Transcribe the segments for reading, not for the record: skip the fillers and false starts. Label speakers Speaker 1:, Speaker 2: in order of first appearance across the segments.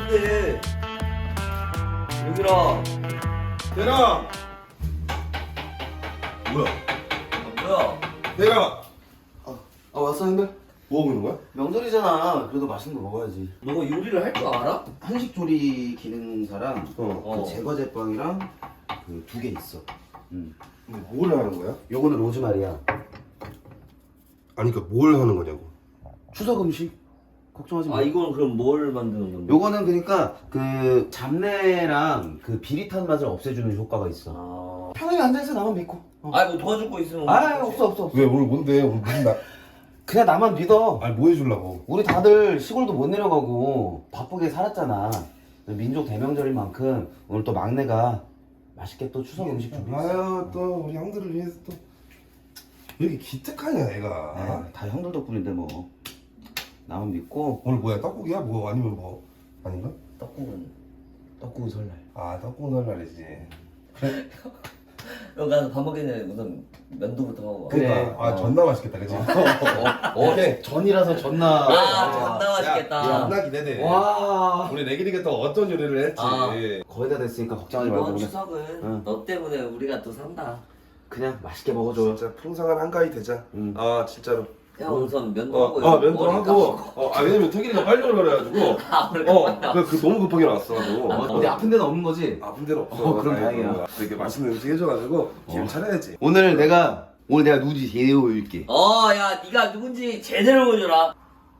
Speaker 1: 뭔데? 여기라.
Speaker 2: 대라. 뭐야?
Speaker 1: 뭐야?
Speaker 2: 대라.
Speaker 3: 왔어 형들?
Speaker 2: 뭐 하고 있는 거야?
Speaker 3: 명절이잖아. 그래도 맛있는 거 먹어야지.
Speaker 1: 너가 요리를 할 줄 알아?
Speaker 3: 한식 조리 기능사랑
Speaker 2: 어.
Speaker 3: 그 제거 제빵이랑 그 2개 있어.
Speaker 2: 근데 뭘 하는 거야?
Speaker 3: 요거는 로즈마리야.
Speaker 2: 아니 그러니까 뭘 하는 거냐고.
Speaker 3: 추석 음식 걱정하지 마.
Speaker 1: 아 이건 그럼 뭘 만드는 건데?
Speaker 3: 요거는 그러니까 그 잡내랑 그 비릿한 맛을 없애주는 효과가 있어.
Speaker 1: 아.
Speaker 3: 편하게 앉아있어 나만 믿고.
Speaker 1: 아뭐 도와줄 거 있으면.
Speaker 3: 없어.
Speaker 2: 왜 오늘 뭔데? 오늘 무슨 날?
Speaker 3: 그냥 나만 믿어.
Speaker 2: 아니 뭐 해주려고?
Speaker 3: 우리 다들 시골도 못 내려가고 바쁘게 살았잖아. 민족 대명절인 만큼 오늘 또 막내가 맛있게 또 추석 음식 준비했어.
Speaker 2: 아유 또 우리 형들을 위해서 또 왜 이렇게 기특하냐 얘가.
Speaker 3: 다 형들 덕분인데 뭐. 나만 믿고.
Speaker 2: 오늘 뭐야 떡국이야? 뭐 아니면 뭐 아닌가?
Speaker 3: 떡국은 설날.
Speaker 2: 아 떡국 설날이지.
Speaker 1: 여기 가서 밥 먹기 전에 우선 면도부터 하고.
Speaker 3: 그래.
Speaker 2: 그러니까 아 존나 맛있겠다 그치?
Speaker 3: 오케이. 전이라서 전나.
Speaker 1: 아 존나 맛있겠다.
Speaker 2: 존나 기대돼.
Speaker 3: 와.
Speaker 2: 우리 레길이가 또 어떤 요리를 했지.
Speaker 1: 아.
Speaker 3: 거의 다 됐으니까 걱정하지 말고
Speaker 1: 이번
Speaker 3: 그냥,
Speaker 1: 추석은
Speaker 3: 응.
Speaker 1: 너 때문에 우리가 또 산다.
Speaker 3: 그냥 맛있게 먹어줘.
Speaker 2: 진짜 풍성한 한가위 되자.
Speaker 3: 응.
Speaker 2: 아 진짜로.
Speaker 1: 야 우선 면도하고. 머리
Speaker 2: 면도하고.
Speaker 1: 깎고.
Speaker 2: 왜냐면 태길이가 빨리 오라 그래가지고.
Speaker 1: 아 원래 깎았다.
Speaker 2: 그 너무 급하게 나왔어. 너.
Speaker 3: 어디 아픈 데는 없는 거지?
Speaker 2: 아픈 데는 없어.
Speaker 3: 그럼 다행이야.
Speaker 2: 되게 맛있는 음식 해줘가지고 기분 차려야지.
Speaker 3: 오늘 내가 누구지 제대로 보여줄게.
Speaker 1: 야 네가 누군지 제대로 보여줘라.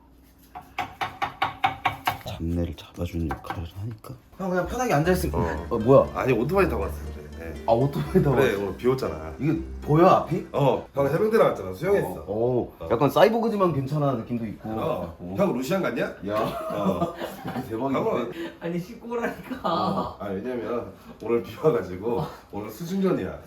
Speaker 3: 잡내를 잡아주는 역할을 하니까. 형 그냥 편하게 앉아있으니까. 뭐야?
Speaker 2: 아니 오토바이 타고 왔어 그래.
Speaker 3: 오토바이 타고.
Speaker 2: 그래 오늘 비 왔잖아.
Speaker 3: 이게 보여 앞이?
Speaker 2: 형 해병대 나왔잖아. 수영했어.
Speaker 3: 약간 사이보그지만 괜찮아 느낌도 있고.
Speaker 2: 형 루시안 갔냐?
Speaker 3: 야. 대박이네.
Speaker 1: 아니 씻고 오라니까.
Speaker 2: 왜냐면 오늘 비 와가지고 오늘 수중전이야.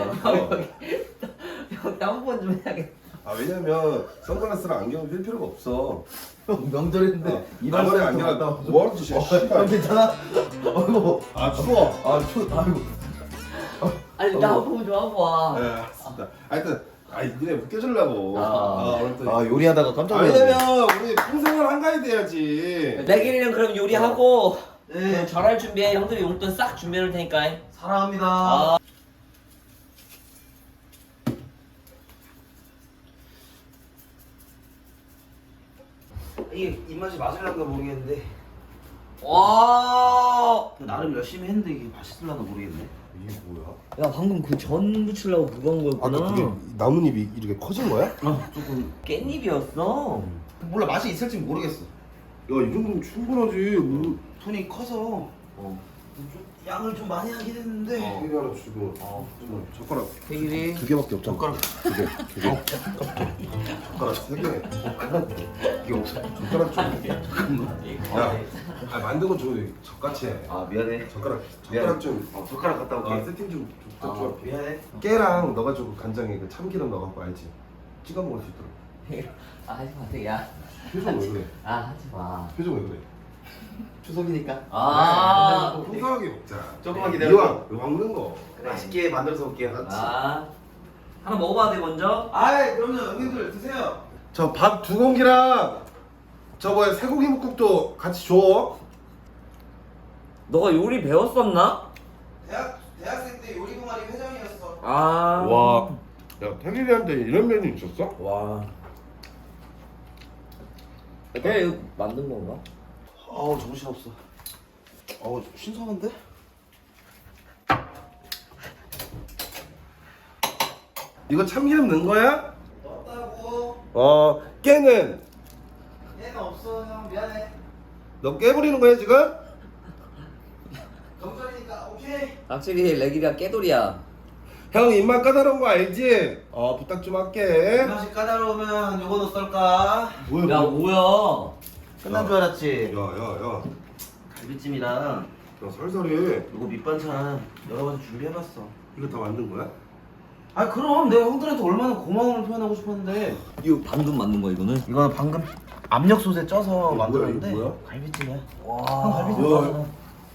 Speaker 1: 형 땀번 좀 해야겠다.
Speaker 2: 왜냐면 선글라스랑 안경을 낄 필요가 없어.
Speaker 3: 형 명절인데
Speaker 2: 이발소에 안경 뭐 하는 짓이야?
Speaker 3: 형 괜찮아? 아이고.
Speaker 2: 추워.
Speaker 3: 아이고.
Speaker 1: 아니 나 보고 좀 하고 와.
Speaker 2: 네, 알겠습니다. 하여튼 니네 웃겨주려고. 오늘 또.
Speaker 3: 요리하다가 깜짝 놀랐네.
Speaker 2: 왜냐면 우리 평생을 한가위 돼야지.
Speaker 1: 내길이는 그럼 요리하고
Speaker 3: 네.
Speaker 1: 그럼 절할 준비해. 형들이 용돈 싹 준비해놓을 테니까.
Speaker 3: 사랑합니다. 이게 입맛이 맞으려나 모르겠는데
Speaker 1: 와.
Speaker 3: 나름 열심히 했는데 이게 맛있을려나 모르겠네.
Speaker 2: 이게 뭐야?
Speaker 1: 야 방금 그 전 붙이려고 그거 한 거였구나.
Speaker 2: 나뭇잎이 이렇게 커진 거야? 야,
Speaker 3: 조금
Speaker 1: 깻잎이었어.
Speaker 3: 몰라 맛이 있을지 모르겠어.
Speaker 2: 이 정도면 충분하지. 뭐.
Speaker 3: 손이 커서 좀 양을 좀 많이 하긴 했는데
Speaker 2: 이게 하나 주고. 젓가락
Speaker 3: 태길이
Speaker 2: 2개밖에 없잖아.
Speaker 3: 젓가락
Speaker 2: 2개. 젓가락 3개. 이게 없어. 젓가락 좀. 야, 만든 건 좋은데 젓같이 해.
Speaker 3: 미안해.
Speaker 2: 젓가락
Speaker 3: 미안해.
Speaker 2: 좀.
Speaker 3: 젓가락 갖다 올게.
Speaker 2: 세팅 좀 좀.
Speaker 3: 미안해.
Speaker 2: 깨랑 넣어가지고 간장에 그 참기름 넣어갖고 알지? 찍어 먹을 수 있도록.
Speaker 1: 하지 마, 되야.
Speaker 2: 표정 왜 그래?
Speaker 1: 하지 마.
Speaker 2: 표정 왜 그래?
Speaker 3: 추석이니까.
Speaker 2: 풍성하게 먹자.
Speaker 3: 조금만 기다려.
Speaker 2: 이왕 먹는 거.
Speaker 3: 맛있게 만들어서 올게요.
Speaker 1: 하나 먹어봐도 돼 먼저.
Speaker 3: 그럼요. 형님들 드세요.
Speaker 2: 저 밥 2공기랑 저 뭐야 쇠고기 묵국도 같이 줘.
Speaker 1: 너가 요리 배웠었나?
Speaker 3: 대학생 때 요리 동아리 회장이었어.
Speaker 2: 와. 야 태길이한테 이런 면이 있었어?
Speaker 1: 와. 걔 이거 만든 건가?
Speaker 3: 정신없어. 신선한데?
Speaker 2: 이거 참기름 넣은 거야?
Speaker 3: 넣었다고.
Speaker 2: 깨는?
Speaker 3: 얘는 없어 형 미안해.
Speaker 2: 너 깨부리는 거야 지금?
Speaker 3: 명절이니까 오케이.
Speaker 1: 확실히 레기가 깨돌이야.
Speaker 2: 형 입맛 까다로운 거 알지? 부탁 좀 할게.
Speaker 3: 맛이 까다로우면 요거 넣을까?
Speaker 1: 야 뭐야?
Speaker 3: 끝난 줄 알았지.
Speaker 2: 야야야
Speaker 3: 갈비찜이랑
Speaker 2: 살살해.
Speaker 3: 요거 밑반찬 여러 가지 준비해봤어.
Speaker 2: 이거 다 만든 거야?
Speaker 3: 그럼 내가 형들한테 얼마나 고마움을 표현하고 싶었는데.
Speaker 1: 이거 방금 만든 거야 이거는?
Speaker 3: 이거는 방금 압력솥에 쪄서 만들었는데
Speaker 2: 이거 뭐야?
Speaker 3: 갈비찜이야. 형
Speaker 1: 와.
Speaker 3: 갈비찜
Speaker 2: 우와.
Speaker 3: 좋아하잖아.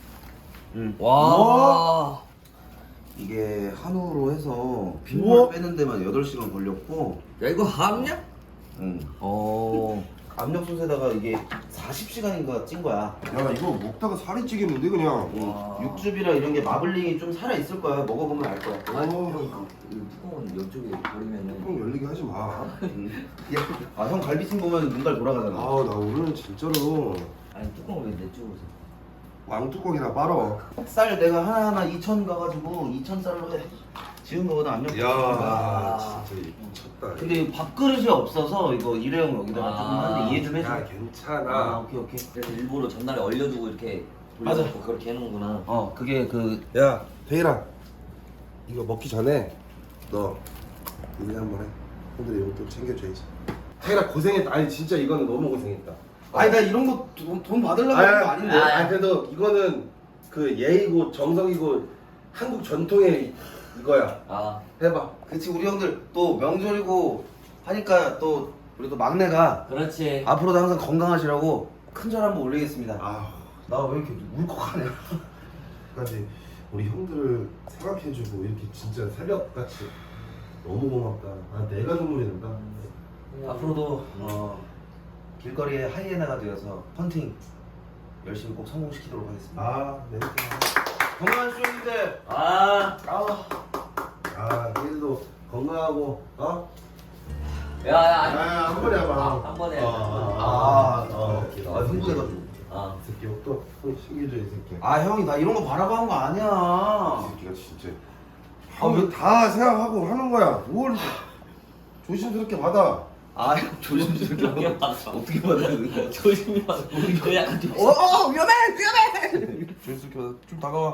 Speaker 1: 와.
Speaker 3: 이게 한우로 해서
Speaker 2: 우와.
Speaker 3: 핏물 빼는 데만 8시간 걸렸고.
Speaker 1: 야 이거 함냐?
Speaker 3: 응. 압력솥에다가 이게 40시간인가 찐 거야.
Speaker 2: 야 이거 먹다가 살이 찌겠는데 그냥.
Speaker 1: 와.
Speaker 3: 육즙이랑 이런 게 마블링이 좀 살아 있을 거야. 먹어보면 알 거야.
Speaker 1: 아, 형, 이 뚜껑은 이쪽에 버리면은.
Speaker 2: 형 열리게 하지 마.
Speaker 3: 아, 형 갈비찜 보면 눈깔 돌아가잖아.
Speaker 2: 아 나 오늘은 진짜로
Speaker 1: 아니 뚜껑을 왜 내쪽으로 서?
Speaker 2: 왕뚜껑이나 빨어.
Speaker 3: 쌀 내가 하나하나 2천 가가지고 2천 쌀로 해. 지은 거보다 압력.
Speaker 2: 야 진짜 미쳤다.
Speaker 3: 근데 밥그릇이 없어서 이거 일회용 여기다가
Speaker 1: 아.
Speaker 3: 조금 하는데 이해 좀 해줘.
Speaker 2: 야 괜찮아.
Speaker 3: 아, 오케이 오케이.
Speaker 1: 그래서 일부러 전날에 얼려두고 이렇게
Speaker 3: 맞아.
Speaker 1: 돌려놓고 그렇게 해놓는구나.
Speaker 3: 어, 그게 그
Speaker 2: 야 태일아 이거 먹기 전에 너 우리 한번 해. 형들이 용돈 챙겨줘야지. 태일아 고생했다. 아니 진짜 이거는 너무 고생했다.
Speaker 3: 아니 나 이런 거 돈 받으려고 하는 거 아닌데.
Speaker 2: 아니 그래도 이거는 그 예의고 정성이고 한국 전통의 이거야.
Speaker 1: 아,
Speaker 2: 해봐.
Speaker 3: 그치 우리 형들 또 명절이고 하니까 또 우리 또 막내가
Speaker 1: 그렇지.
Speaker 3: 앞으로도 항상 건강하시라고 큰절 한번 올리겠습니다.
Speaker 2: 아,
Speaker 3: 나 왜 이렇게 울컥하네.
Speaker 2: 까지 우리 형들을 생각해주고 이렇게 진짜 새벽같이 너무 고맙다. 아 내가 눈물이 난다.
Speaker 3: 앞으로도 길거리에 하이에나가 되어서 헌팅 열심히 꼭 성공시키도록 하겠습니다.
Speaker 2: 아, 네.
Speaker 3: 건강한 쇼님들.
Speaker 1: 아,
Speaker 2: 아, 태일도 건강하고
Speaker 1: 야,
Speaker 2: 한 번에 해봐.
Speaker 1: 한 번에.
Speaker 3: 흥분해가지고.
Speaker 1: 아,
Speaker 2: 이 새끼 또 챙겨줘 이 새끼.
Speaker 3: 아 형이 나 이런 거 바라봐한 거 아니야.
Speaker 2: 이 새끼가 진짜. 형이 다 생각하고 하는 거야. 뭘 조심스럽게 받아.
Speaker 3: 아 형 조심스럽게
Speaker 1: 조심히 받아.
Speaker 3: 어떻게 받아야 돼?
Speaker 1: 조심히 받아. 이거 약간 좀.
Speaker 3: 위험해.
Speaker 2: 조심스럽게 받아. 좀 다가와.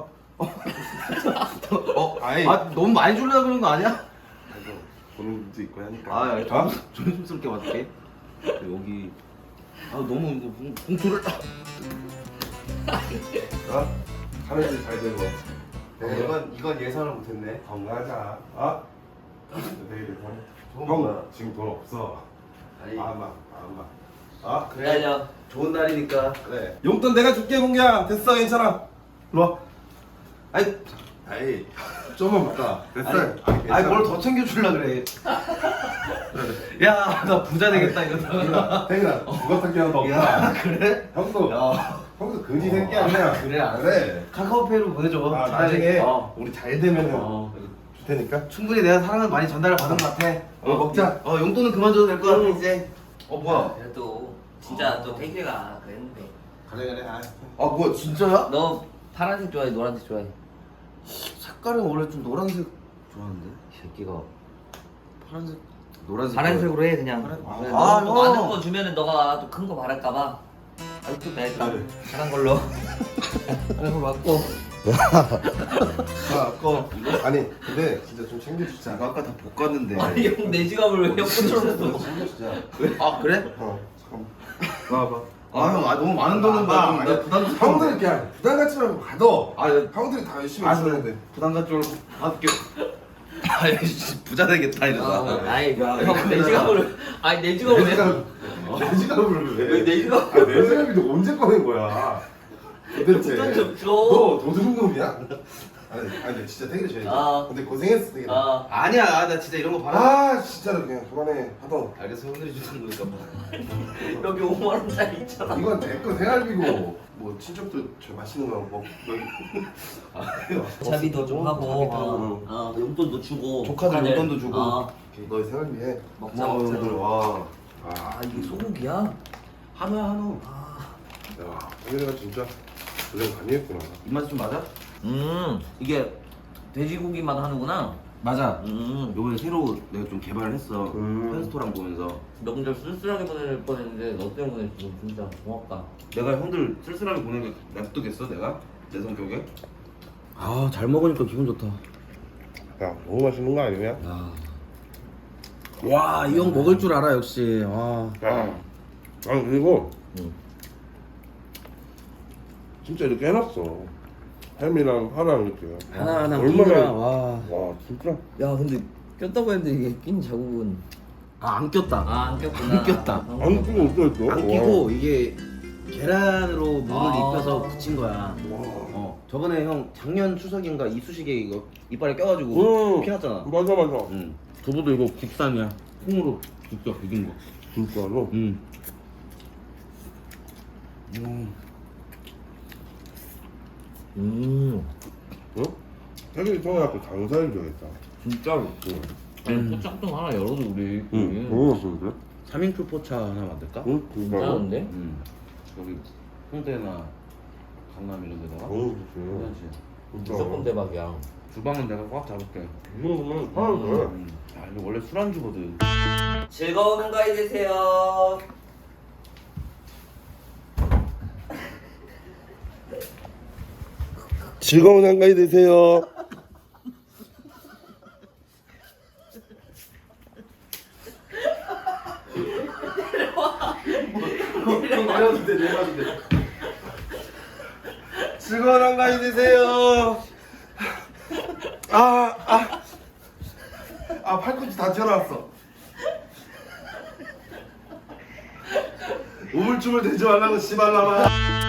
Speaker 3: 아이. 아 너무 많이 주려고 그런 거 아니야?
Speaker 2: 보는 분도 있고 하니까.
Speaker 3: 아 조심스럽게 받을게. 여기 아 너무 이거 봉투를.
Speaker 2: 하늘이 잘 되고.
Speaker 3: 이건 예상을 못했네.
Speaker 2: 건강하자. 내일
Speaker 3: 좋은
Speaker 2: 형
Speaker 3: 거야.
Speaker 2: 지금 돈 없어.
Speaker 3: 아니
Speaker 2: 마음만.
Speaker 3: 그래
Speaker 1: 기다려.
Speaker 3: 좋은 날이니까.
Speaker 2: 그래. 용돈 내가 줄게 공기야. 됐어 괜찮아. 일로 와.
Speaker 3: 아니
Speaker 2: 아이 좀만 받다. 됐어.
Speaker 3: 아니 뭘 더 챙겨주려 그래. 야 나 부자 되겠다 이러다가.
Speaker 2: 태근아 누가 찾기 하나 더
Speaker 3: 야
Speaker 2: 없다.
Speaker 3: 그래?
Speaker 2: 형도
Speaker 3: 야
Speaker 2: 거지 새끼 아니야.
Speaker 3: 그래, 알았어.
Speaker 2: 그래.
Speaker 3: 카카오페이로 보내줘.
Speaker 2: 아,
Speaker 3: 차라리.
Speaker 2: 나중에
Speaker 3: 우리
Speaker 2: 잘 되면은
Speaker 3: 어.
Speaker 2: 줄 테니까.
Speaker 3: 충분히 내가 사랑을 많이 전달을 받은 것 같아.
Speaker 2: 먹자.
Speaker 3: 용돈은 그만 줘도 될 것 같아 이제. 뭐야?
Speaker 1: 그래도 진짜 또 태기가 그랬는데.
Speaker 2: 그래.
Speaker 3: 아 뭐야 진짜야?
Speaker 1: 너 파란색 좋아해, 노란색 좋아해?
Speaker 3: 색깔은 원래 좀 노란색 좋아하는데.
Speaker 1: 이 새끼가.
Speaker 3: 파란색. 노란색.
Speaker 1: 파란색으로 해 그냥.
Speaker 3: 파란-
Speaker 1: 그래,
Speaker 3: 아,
Speaker 1: 너무
Speaker 3: 형.
Speaker 1: 많은 거 주면은 너가 또 큰 거 바랄까봐. 아이 또 내가
Speaker 2: 그래.
Speaker 1: 작은 걸로. 작은 거 맞고.
Speaker 3: 아까
Speaker 2: 아니 근데 진짜 좀 챙겨주자.
Speaker 3: 이거 아까 다 볶았는데.
Speaker 1: 아니 형 내 지갑을 왜 형 꽂혀놨어?
Speaker 2: 챙겨주자.
Speaker 3: 아 그래?
Speaker 2: 잠깐만. 와봐.
Speaker 3: 아 형 부담 많은 돈은
Speaker 2: 아,
Speaker 3: 나 부담.
Speaker 2: 형들 그냥 부담 갖지 말고 받아.
Speaker 3: 아
Speaker 2: 형들이 다 열심히
Speaker 3: 아,
Speaker 2: 있어야 돼.
Speaker 3: 부담 갖지 말고 받을게. 아 부자 되겠다 이러다.
Speaker 1: 아이 형내 지갑을 아니 내 지갑을 왜?
Speaker 2: 내 지갑을 왜?
Speaker 1: 왜내 지갑?
Speaker 2: 내 지갑이 너 언제 꺼낸 거야? 도대체.
Speaker 1: 부담 좀 줘.
Speaker 2: 너 도둑놈이야? 아니 진짜 태기를 줘야지.
Speaker 1: 아.
Speaker 2: 근데 고생했어 태기.
Speaker 1: 아
Speaker 3: 아니야 나 진짜 이런 거 바라.
Speaker 2: 진짜로 그냥 그만해 하던.
Speaker 3: 알겠어 형들이 주는 거니까 뭐.
Speaker 1: 여기 5만 원짜리 있잖아.
Speaker 2: 이건 내 거 생활비고 뭐 친척도 저 맛있는 거 먹.
Speaker 1: 차비도 좀 하고,
Speaker 2: 응.
Speaker 1: 용돈도 주고,
Speaker 3: 조카들
Speaker 1: 조카들.
Speaker 3: 용돈도 주고.
Speaker 2: 너의 생활비에.
Speaker 1: 먹자
Speaker 3: 고마워
Speaker 1: 먹자.
Speaker 3: 형들 와.
Speaker 1: 아 이게 소고기야?
Speaker 3: 한우야 한우.
Speaker 2: 야 태기가 진짜 고생 많이 했구나.
Speaker 3: 입맛 좀 맞아?
Speaker 1: 이게 돼지고기 맛 하는구나.
Speaker 3: 맞아. 요번에 새로 내가 좀 개발을 했어.
Speaker 2: 음.
Speaker 3: 펜스토랑 보면서.
Speaker 1: 명절 쓸쓸하게 보낼 뻔했는데 너 때문에 지금 진짜 고맙다.
Speaker 3: 내가 형들 쓸쓸하게 보내게 냅두겠어 내가? 내 성격에? 아 잘 먹으니까 기분 좋다.
Speaker 2: 야 너무 맛있는 거 아니냐?
Speaker 3: 와 이 형 먹을 줄 알아 역시. 와.
Speaker 2: 그리고
Speaker 1: 응.
Speaker 2: 진짜 이렇게 해놨어. 햄이랑 파랑 이렇게.
Speaker 3: 하나하나
Speaker 2: 얼마나-
Speaker 3: 끼느라, 와.
Speaker 2: 와 진짜.
Speaker 1: 야 근데 꼈다고 했는데 이게 낀 자국은
Speaker 3: 안 꼈다.
Speaker 1: 안 꼈구나.
Speaker 3: 안 꼈다.
Speaker 2: 안 끼고 어떠했어?
Speaker 3: 안 끼고 이게 계란으로 물을
Speaker 1: 아.
Speaker 3: 입혀서 붙인 거야. 저번에 형 작년 추석인가 이쑤시개 이거 이빨에 껴가지고 피났잖아.
Speaker 2: 맞아.
Speaker 3: 두부도 이거 국산이야. 콩으로 직접 비긴 거.
Speaker 2: 진짜로? 응? 태균이 통해갖고 장사를 줘야겠다.
Speaker 1: 진짜로. 아니 포장통 하나 열어도 우리.
Speaker 2: 너무 맛있는데?
Speaker 3: 3인큐 포차 하나 만들까?
Speaker 2: 응?
Speaker 1: 괜찮은데?
Speaker 3: 여기 홍대나 강남 이런 데다가
Speaker 2: 너무 좋지.
Speaker 3: 괜찮지?
Speaker 1: 무조건 대박이야.
Speaker 3: 주방은 내가 꽉 잡을게.
Speaker 2: 이 정도면 하나도 돼.
Speaker 3: 아 이거 원래 술안주거든.
Speaker 1: 즐거운 한가위 되세요.
Speaker 2: 즐거운 한가위 되세요.
Speaker 3: 내려도 돼 내려도 돼.
Speaker 2: 즐거운 한가위 되세요. 팔꿈치 다 튀어나왔어. 우물쭈물 대지 말라고 씨발라마.